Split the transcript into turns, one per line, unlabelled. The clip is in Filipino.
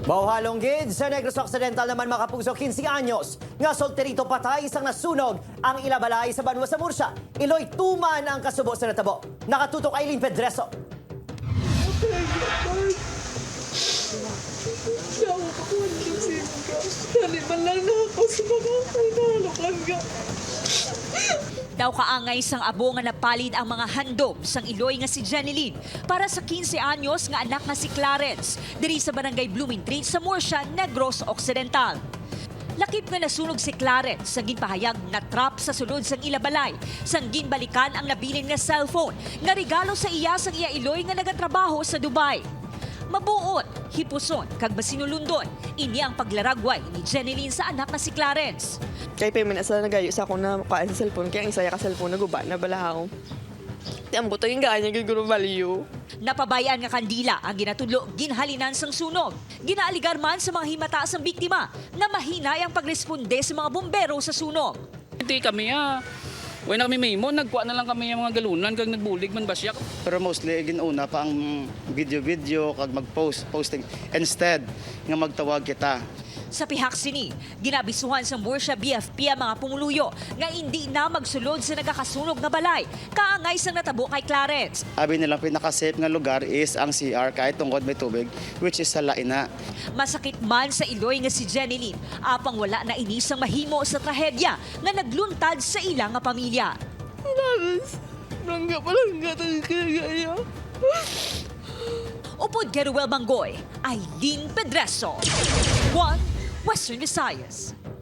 Mauhalong gid sa Negros Occidental naman makapuso 15 anyos. Nga solterito patay isang nasunog ang ilabalay sa Banwa sa Murcia. Iloy tuman ang kasubo sa natabo. Nakatutok Aileen Pedreso.
Daw kaangay sang abo nga napalid ang mga handom sang Iloy nga si Jeneline para sa 15 anyos nga anak nga si Clarence diri sa barangay Blooming Tree sa Murcia, Negros Occidental. Lakip nga nasunog si Clarence sa ginpahayag na trap sa sulod sang ilabalay sang ginbalikan ang nabilin nga cellphone nga regalo sa iya sang iya Iloy nga nagatrabaho sa Dubai. Mabuot, hipuson, kag masinulundon, ini ang paglaragway ni Jeneline sa anak na si Clarence.
Kay payman sa nagayo sa ako na kaan sa cellphone, kaya ang isaya ka cellphone na guba na balahaw. Ti ang buto yung ganya giguro value.
Napabayaan nga kandila ang ginatudlo ginhalinan sang sunog. Ginaaligar man sa mga himata sang biktima na mahinay ang pagresponde sa mga bombero sa sunog.
Hindi kami When na kami memo, nagkuha na lang kami yung mga galunan kag nagbulig man ba siya.
Pero mostly ginuna pa ang video kag posting instead nga magtawag kita.
Sa pihak sini, ginabisuhan sa Murcia BFP ang mga pumuluyo nga hindi na magsulod sa nagakasunog na balay, kaangay sang natabo kay Clarence.
Abi nilang pinaka-safe nga lugar is ang CR kahit tungkod may tubig, which is sa Laina.
Masakit man sa Iloy nga si Jeneline, apang wala na inisang mahimo sa trahedya nga nagluntad sa ilang nga pamilya.
Palangga tayo kaya.
Upod Geruel Bangoy, Aileen Pedreso. One Western Visayas.